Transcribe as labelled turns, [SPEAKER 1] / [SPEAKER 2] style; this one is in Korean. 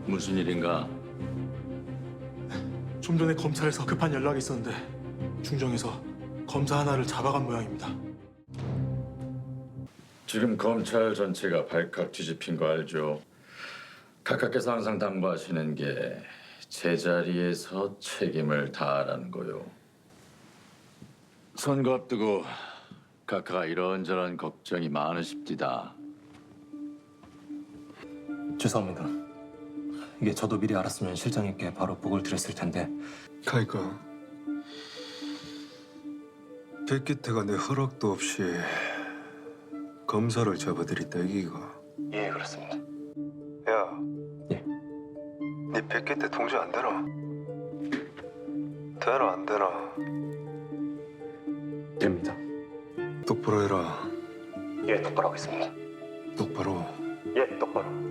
[SPEAKER 1] 무슨 일인가?
[SPEAKER 2] 좀 전에 검찰에서 급한 연락이 있었는데 중정에서 검사 하나를 잡아간 모양입니다.
[SPEAKER 1] 지금 검찰 전체가 발칵 뒤집힌 거 알죠? 각하께서 항상 당부하시는 게 제자리에서 책임을 다하라는 거요. 선거 앞두고 각하가 이런저런 걱정이 많으십디다.
[SPEAKER 3] 죄송합니다. 이게 저도 미리 알았으면 실장님께 바로 보고를 드렸을 텐데.
[SPEAKER 4] 그러니까 백기태가 내 허락도 없이 검사를 잡아들였다 이기가.
[SPEAKER 3] 예, 그렇습니다.
[SPEAKER 4] 야,
[SPEAKER 3] 예.
[SPEAKER 4] 네 백기태 통제 안 되나? 되나 안 되나?
[SPEAKER 3] 됩니다.
[SPEAKER 4] 똑바로 해라.
[SPEAKER 3] 예, 똑바로 하겠습니다.
[SPEAKER 4] 똑바로.
[SPEAKER 3] 예, 똑바로.